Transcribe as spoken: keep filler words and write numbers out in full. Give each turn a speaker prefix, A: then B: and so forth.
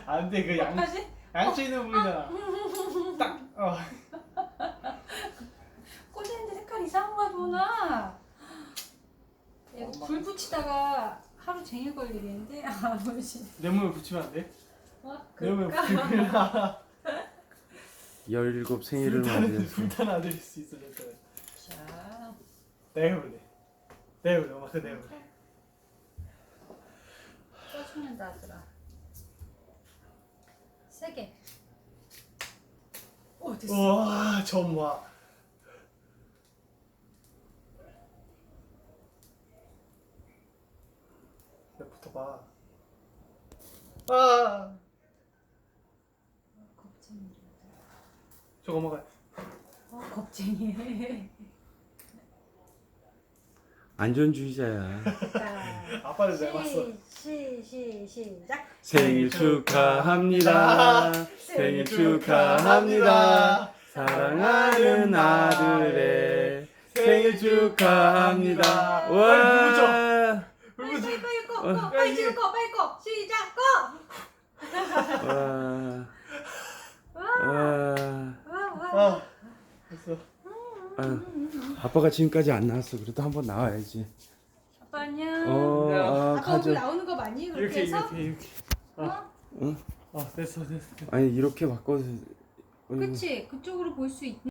A: 안돼 그 양,
B: 다시?
A: 양치 있는 부분이잖아. 딱 어.
B: 꽂았는데 색깔 이상한 거야 도나. 이거 불 붙이다가 하루 종일 걸리겠는데? 아 뭐지?
A: 내 몸에 붙이면 안 돼?
B: 어?
A: 내 몸에
B: 그럴까?
A: 붙이면
C: 열일곱 생일을
A: 불타는
C: 맞이해서
A: 불타는 아들일 수 있어 진짜.
B: 자,
A: 내가 해볼래. 내가 해볼래. 엄마 그 내가 해볼래.
B: 써주는다 아들아. 세게. 오 됐어.
A: 우와 점와. 내 붙어봐. 아
B: 겁쟁이.
A: 저거 먹어.
B: 어 겁쟁이.
C: 안전주의자야.
B: 자,
A: 아빠를 잘 봤어.
B: 시, 시, 시, 시작.
C: 생일 축하합니다. 생일 축하합니다. 사랑하는 아들의 생일 축하합니다. 와.
B: 빨리 빨리 빨리 꺼,
C: 어.
B: 꺼, 빨리 지금 꺼, 빨리 꺼. 시작, 꺼.
C: 와.
B: 와,
C: 와.
B: 와, 와.
A: 아 됐어.
C: 아유, 아빠가 지금까지 안 나왔어. 그래도 한번 나와야지.
B: 아빠 안녕.
C: 어, 아,
B: 아빠
C: 가져.
B: 얼굴 나오는 거 맞니? 그렇게
A: 이렇게
B: 해서?
A: 이렇게 이렇게.
B: 어?
C: 응?
A: 아 됐어 됐어.
C: 아니 이렇게 바꿔서.
B: 그치? 그쪽으로 볼 수 있.